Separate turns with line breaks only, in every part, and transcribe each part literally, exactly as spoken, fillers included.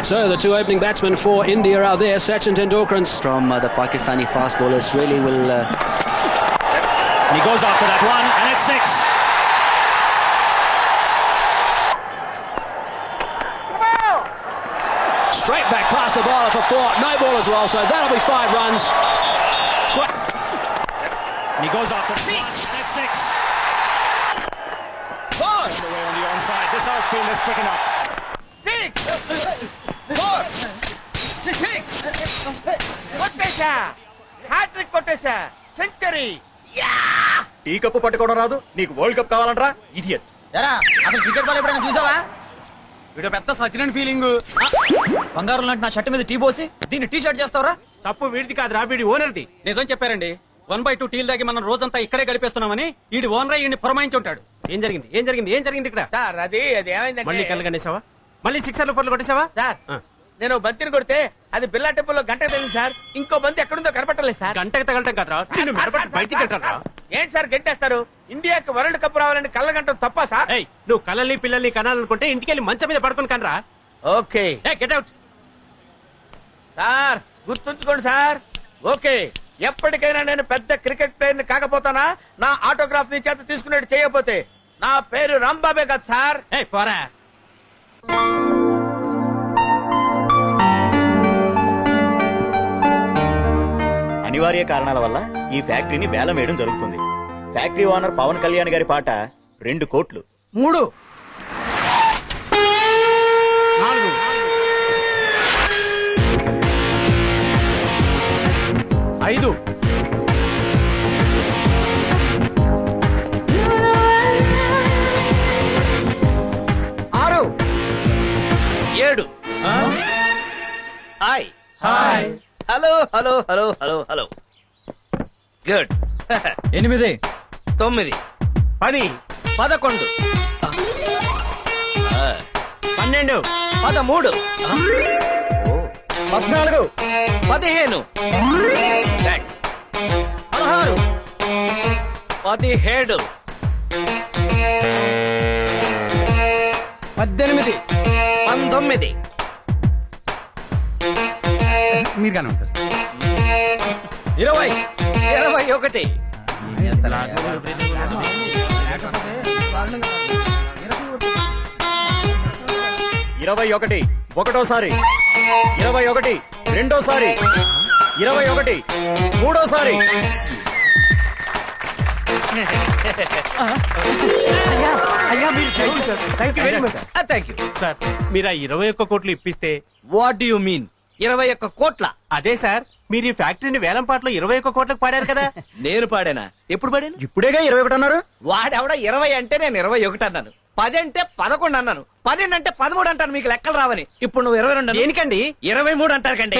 So the two opening batsmen for India are there. Sachin Tendulkar
from uh, the Pakistani fast bowlers really will. Uh...
He goes after that one, and it's six.
Straight back past the bowler for four. No ball as well, so that'll be five runs.
And he goes after six, and it's six. Four. Away on the onside. This outfield is picking up.
Six. Four. Six. కొట్టేశా hat trick కొట్టేశా century.
Tea cup పట్టుకోవడం రాదు నీకు world cup కావాలంటరా idiot.
ఎరా అసలు cricket ball ఎప్పుడైనా చూసావా? వీడు పెద్ద సచిన్ ఫీలింగ్. బంగారం లాంటి నా షర్ట్ మీద టీ పోసి దీన్ని టీ షర్ట్ చేస్తావరా?
తప్పు వీడిది కాదురా, వీడి ఓనర్ది.
నిజం చెప్పారండి. వన్ బై టూ టీల్ దాగి మనం రోజంతా ఇక్కడే గడిపేస్తున్నామని ఈడి ఓనర్ ఈయన్ని పురమాయించి ఉంటాడు.
ఏం జరిగింది ఏం జరిగింది ఏం జరిగింది ఇక్కడ?
సార్ అది అది ఏమైందంటే
మళ్ళీ కళ్ళు కనేసావా? మళ్ళీ సిక్సర్లు ఫోర్లు కొట్టేసావా?
సార్ నేను బంతిని కొడితే అది బిల్లా టెంపుల్లో గంటకు తగిలింది సార్. ఇంకో బంతి ఎక్కడుందో కనపట్టలేదు సార్.
గంటకి తగలటం కాదురా, నిన్ను మెడపట్టి బయటికి కట్టారా?
ఏంటి సార్ గంటేస్తారు? ఇండియాకి వరల్డ్ కప్ రావాలని కళ్ళ గంట తప్ప సార్?
ఏయ్, నువ్వు కళ్ళని పిల్లల్ని కనాలనుకుంటే ఇంటికి వెళ్ళి మంచం మీద పడుకుని కనరా.
Okay
get out.
సార్ గుర్తుంచుకోండి సార్. ఓకే ఎప్పటికైనా నేను పెద్ద క్రికెట్ ప్లేయర్ ని కాకపోతానా నా ఆటోగ్రాఫ్ ని చేత తీసుకునేట్టు చేయకపోతే నా పేరు రాంబాబే కదా సార్.
ఏయ్ పోరా.
అనివార్య కారణాల వల్ల ఈ ఫ్యాక్టరీని వేలం వేయడం జరుగుతుంది. ఫ్యాక్టరీ ఓనర్ పవన్ కళ్యాణ్ గారి పాట రెండు కోట్లు.
మూడు
నాలుగు
ఐదు ఆరు
ఏడు. Hi
hi
hello hello hello hello hello good.
ఎనిమిది
తొమ్మిది
పది
పదకొండు
పన్నెండు
పదమూడు
పద్నాలుగు
పదిహేను పదహారు పదిహేడు
పద్దెనిమిది
పంతొమ్మిది
మీరు కానీ ఉంటారు.
ఇరవై ఇరవై ఒకటి
ఇరవై ఒకటి ఒకటోసారి, ఇరవై ఒకటి రెండోసారి, ఇరవై ఒకటి మూడోసారి.
Thank you
sir. మీరు ఆ ఇరవై ఒక్క కోట్లు ఇప్పిస్తే.
వాట్ యు మీన్ ఇరవై ఒక్క కోట్ల?
అదే సార్, మీరు ఈ ఫ్యాక్టరీని వేలం పాటలో ఇరవై ఒక్క కోట్లకు పాడారు కదా.
నేను పాడానా? ఎప్పుడు పాడాను?
ఇప్పుడేగా ఇరవై ఒకటి అన్నారు.
వాడెవడ ఇరవై అంటే నేను ఇరవై ఒకటి అన్నాను. పది అంటే పదకొండు అన్నాను. పన్నెండు అంటే పదమూడు అంటాను. మీకు లెక్కలు రావని. ఇప్పుడు నువ్వు ఇరవై రెండు
దేనికండి?
ఇరవై మూడు అంటారు కండి.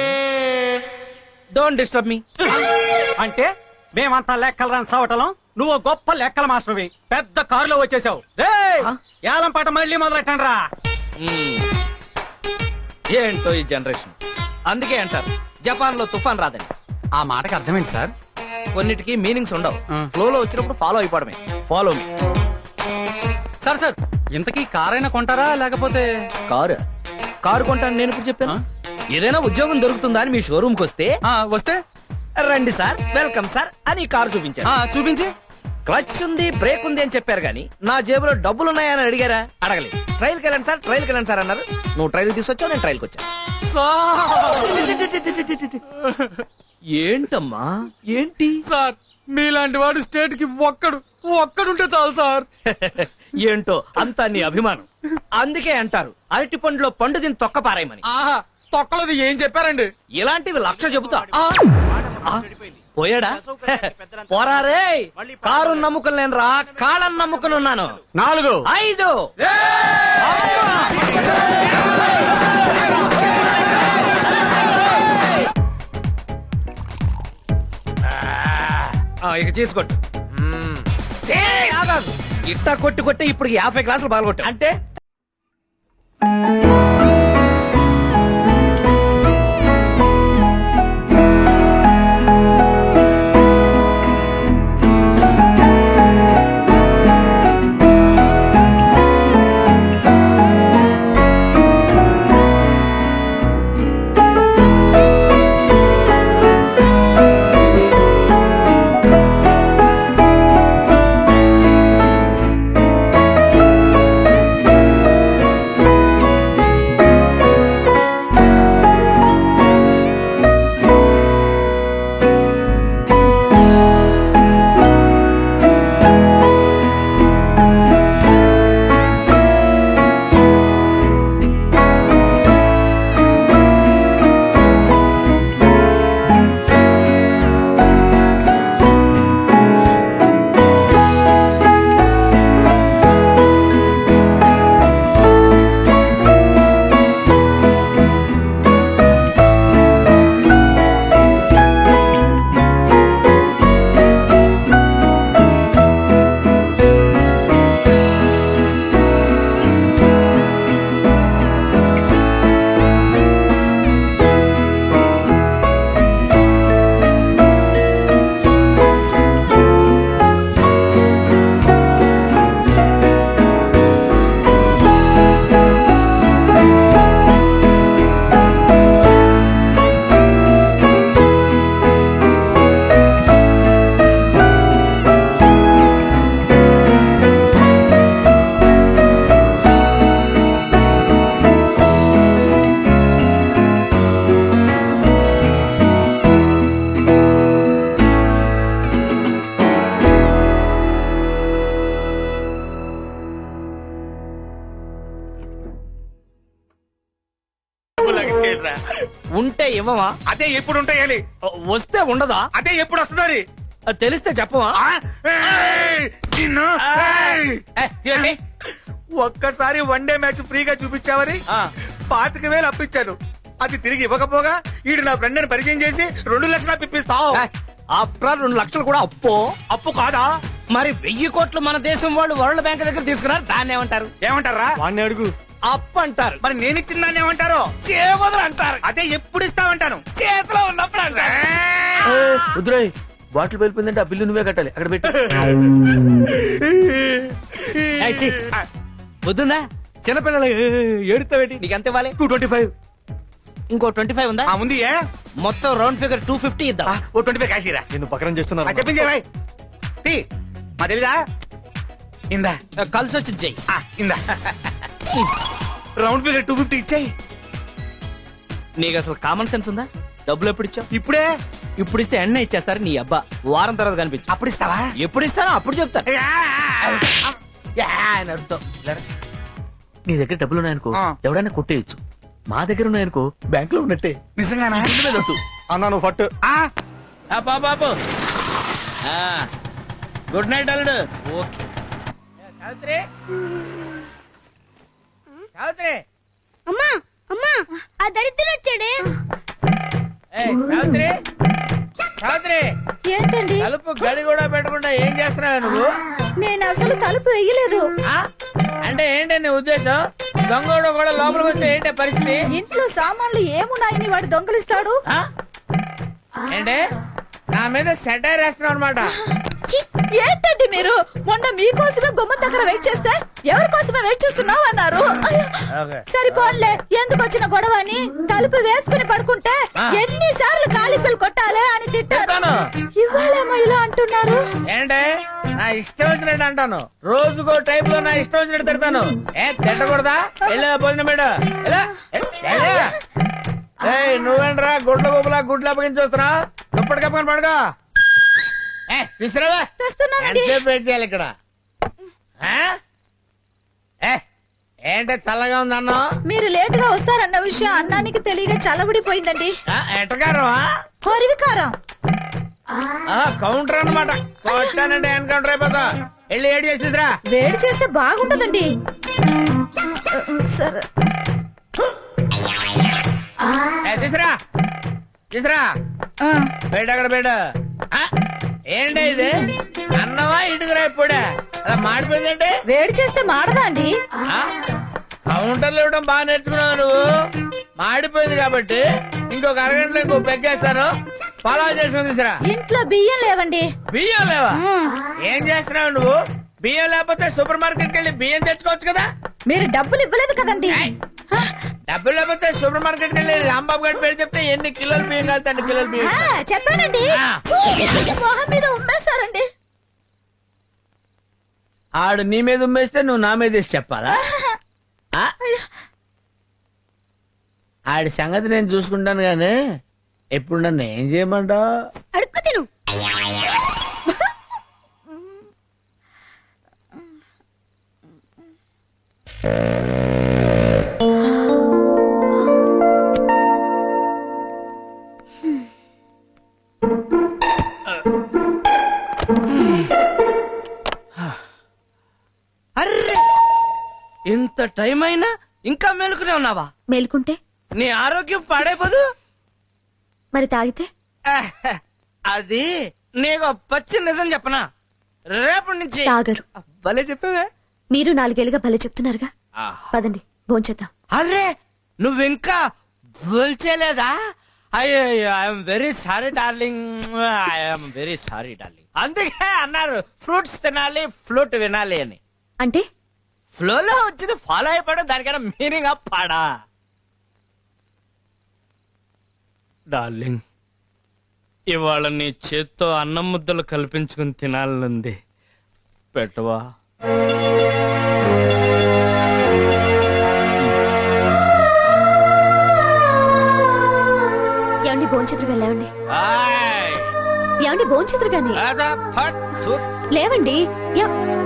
Don't disturb me.
అంటే మేమంతా లెక్కలు రాని సవటలం, నువ్వు గొప్ప లెక్కల మాస్టర్వి. పెద్ద కారులో వచ్చేసావు. ఏలం పాట మళ్ళీ మొదలెట్టండి రా.
ఏంటో ఈ జనరేషన్. అందుకే అంటారు జపాన్ లో తుఫాన్ రాదని.
ఆ మాటకి అర్థమైంది సార్.
కొన్నిటికి మీనింగ్స్ ఉండవు. ఫ్లో లో వచ్చినప్పుడు ఫాలో అయిపోవడమే. Follow me.
సార్ సార్ ఇంతకీ కారైనా కొంటారా లేకపోతే?
కారు కారు కొంటాను నేను ఇప్పుడు చెప్పాను. ఏదైనా ఉద్యోగం దొరుకుతుందా అని మీ షోరూమ్ కి వస్తే
వస్తే
రండి సార్, వెల్కమ్ సార్ అని కారు చూపించారు.
చూపించి
క్లచ్ ఉంది, బ్రేక్ ఉంది అని చెప్పారు కానీ నా జేబులో డబ్బులు ఉన్నాయని అడిగారా? అడగలేదు. ట్రైల్కి వెళ్ళండి సార్, ట్రైల్కి వెళ్ళండి సార్ అన్నారు. నువ్వు ట్రైల్ తీసుకొచ్చావు, నేను ట్రైల్కి వచ్చాను. ఏంటమ్మా ఏంటి
సార్, మీలాంటి వాడు స్టేట్ కి ఒక్కడు ఒక్కడుంటే చాలు సార్.
ఏంటో అంతా నీ అభిమానం. అందుకే అంటారు అరటి పండులో పండు దీన్ని తొక్క పారాయమని.
ఆహా, తొక్కలది ఏం చెప్పారండి?
ఇలాంటివి లక్ష చెబుతా. పోయాడా? పోరారే. కారు నమ్ముకుని నేను రా, కాళ్ళని నమ్ముకుని ఉన్నాను.
నాలుగు
ఐదు ఇక చేసుకోట్టు. ఇట్టా కొట్టి కొట్టి ఇప్పుడు యాభై గ్లాసులు పాల్గొట్టు. అంటే
ఇవ్వమా?
అదే ఎప్పుడు ఉంటాయాలి?
వస్తే ఉండదా?
అదే ఎప్పుడు వస్తుంది?
అది తెలిస్తే చెప్పవా?
ఒక్కసారి వన్ డే మ్యాచ్ ఫ్రీగా చూపించావని పాతిక వేలు అప్పించాను. అది తిరిగి ఇవ్వకపోగా ఈడు నా ఫ్రెండ్ ని పరిచయం చేసి రెండు లక్షలు అప్పిస్తావు.
ఆఫ్టర్ రెండు లక్షలు కూడా అప్పు
అప్పు కాదా?
మరి వెయ్యి కోట్లు మన దేశం వాళ్ళు వరల్డ్ బ్యాంక్ దగ్గర తీసుకున్నారు. దాన్ని ఏమంటారు?
ఏమంటారా?
వాడిని అడుగు. అప్పు అంటారు.
మరి నేను ఇచ్చిన దాన్ని ఏమంటారు?
చేవదలు అంటారు.
అదే ఎప్పుడు ఇస్తామంటాను.
చేతిలో ఉన్నప్పుడు అంటారు.
వద్దురాయ్, బాటిల్ వెళ్ళిపోయిందంటే ఆ బిల్లు నువ్వే కట్టాలి. అక్కడ పెట్టి
వద్దుందా? చిన్నపిల్లలు ఏడుతావేటి? నీకు ఎంత ఇవ్వాలి?
టూ ట్వంటీ ఫైవ్
ఇంకో ట్వంటీ ఫైవ్ ఉందా?
ఉంది. ఏ
మొత్తం రౌండ్ ఫిగర్ టూ ఫిఫ్టీ ఇద్దాం.
ఓ ట్వంటీ ఫైవ్ కాశీరా.
నేను పకరం చేస్తున్నాను.
చెప్పించే భాయ్. తీ మా తెలీదా? ఇందా
కలిసి వచ్చి చెయ్యి.
ఆ, ఇందా రౌండ్ ఫిగర్ టూ ఫిఫ్టీ ఇచ్చాయి.
నీకు అసలు కామన్ సెన్స్ ఉందా? డబ్బులు ఎప్పుడు ఇచ్చావు?
ఇప్పుడే.
ఇప్పుడు ఇస్తే ఎన్న ఇచ్చేస్తారు నీ అబ్బా. వారం తర్వాత కనిపించు.
అప్పుడు ఇస్తావా?
ఎప్పుడు ఇస్తానో అప్పుడు చెప్తాను.
యా అని అర్థం. నీ దగ్గర డబ్బులు ఉన్నాయనుకో ఎవడైనా కొట్టేయచ్చు. మా దగ్గర ఉన్నాయనుకో బ్యాంక్ లో ఉన్నట్టే. నిజంగానా?
అన్నా నువ్వు ఫట్.
బాబు గుడ్ నైట్ అల్లుడు. ఓకే సావిత్రి, సావిత్రి,
అమ్మా అమ్మా ఆ దరిద్రుడు వచ్చాడే.
ఏయ్, సావిత్రి, సావిత్రి,
ఏంటండి?
తలుపు గడి కూడా పెట్టకుండా ఏం చేస్తున్నావు నువ్వు?
నేను అసలు తలుపు వేయలేదు.
ఆ? అంటే ఏంటి నీ ఉద్దేశం? దొంగోడు కూడా లోపలికి వస్తే ఏంటి పరిస్థితి?
ఇంట్లో సామాన్లు ఏమున్నాయని వాడు దొంగలిస్తాడు.
ఆ? ఏంటి నా మీద సెటైర్ వేస్తున్నావు అనమాట?
ఛీ, ఏంటండి మీరు? మొన్న మీకోసమే గుమ్మం దగ్గర వెయిట్ చేస్తే ఎవరి కోసమే వెయిట్ చేస్తున్నావు అన్నారు. అయ్యో,
ఓకే.
సరిపోన్లే, ఎందుకు వచ్చిన గొడవ అని తలుపు వేసుకుని పడుకుంటే
ఆ.
ఎన్నిసార్లు కాలిఫీలు కొట్టాలే అని తిట్టారు.
తిట్టాను.
ఇవాళేమో ఇలా అంటున్నారు.
ఏంటి నా ఇష్టం వచ్చినట్టు అంటాను. రోజుకో టైప్ లో నా ఇష్టం వచ్చినట్టు తిడతాను. ఏ తిట్టకూడదా? వెళ్ళా భోజనం పెట్ట. నువ్వేంట్రా గుడ్ల గుబులా గుడ్లు అప్పగించి వస్తున్నా? దుప్పటి కప్పుకొని పడుకో. ఏ విసిరావా?
తెస్తున్నానండి.
ఎంతసేపు వెయిట్ చేయాలి ఇక్కడ? ఆ? ఏ ఏంటి చల్లగా ఉంది అన్నం?
మీరు లేటుగా వస్తారన్న విషయం అన్నానికి తెలియక చల్లబడిపోయిందండి.
ఎట్టగారమా?
హరివికారం.
కౌంటర్ అన్నమాట. కొట్టానంటే ఎన్కౌంటర్ అయిపోతా. వెళ్ళి ఏడు చేసి తీసురా.
వేడి చేస్తే బాగుంటదండి. సరే
ఏ, తీసురా తీసురా.
ఆ,
బయట అక్కడ బయట. ఏంటి ఇది? అన్నమా ఇటుకురా ఇప్పుడే అలా మాడిపోయిందంటే?
వేడి చేస్తే మాడదా అండి?
కౌంటర్లు ఇవ్వడం బాగా నేర్చుకున్నావు నువ్వు. మాడిపోయింది కాబట్టి ఇంకొక అరగంటలో ఇంకో పెగ్గేస్తాను. ఫాలో చేసుకుని తీసురా.
ఇంట్లో బియ్యం లేవండి.
బియ్యం లేవా?
మ్మ్.
ఏం చేస్తున్నావు నువ్వు? బియ్యం లేకపోతే సూపర్ మార్కెట్ కి వెళ్ళి బియ్యం తెచ్చుకోవచ్చు కదా.
మీరు డబ్బులు ఇవ్వలేదు కదండి.
ఏయ్, డబ్బులు లేకపోతే సూపర్ మార్కెట్ కి వెళ్ళి రాంబాబు గారి పేరు చెప్తే ఎన్ని కిలోలు బియ్యం కాదు అన్ని కిలోలు బియ్యం.
ఆ, చెప్పానండి.
ఆ.
మొహం మీద ఉమ్మేశారండి.
ఆడు నీ మీద ఉమ్మేస్తే నువ్వు నా మీద వేసి చెప్పాలా? ఆ? ఆడి సంగతి నేను చూసుకుంటాను గానీ ఎప్పుడు నన్ను ఏం చేయమంటావు?
అడుక్కు తిను.
అర్రే, ఇంత టైం అయినా ఇంకా మేలుకునే ఉన్నావా?
మేలుకుంటే
నీ ఆరోగ్యం పాడైపోదు.
మరి తాగితే
ఆహ్, అది నీకు పచ్చి నిజం చెప్పనా? రేపటి నుంచి
తాగరు.
భలే చెప్పావే.
మీరు నాలుగేళ్లుగా భలే చెప్తున్నారుగా. పదండి భోంచేద్దాం.
అరే నువ్వింకా భూల్చేలేదా? అయ్యో I'm very sorry darling, I'm very sorry darling. అందుకే అన్నారు ఫ్రూట్స్ తినాలి ఫ్లూట్ వినాలి అని.
అంటే
ఫ్లోలో వచ్చింది ఫాలో అయిపోవడం, దానికైనా మీనింగ్ పాడా? డార్లింగ్, ఇవాళ నీ చేత్తో అన్నం ముద్దలు కల్పించుకుని తినాలనుంది. పెట్టవా?
ఏమండి భోంచేతురుగా లేవండి.
ఆయ్,
ఏమండి భోంచేతురుగాని
అదా, ఫట్, థు.
లేవండి. ఎవ్-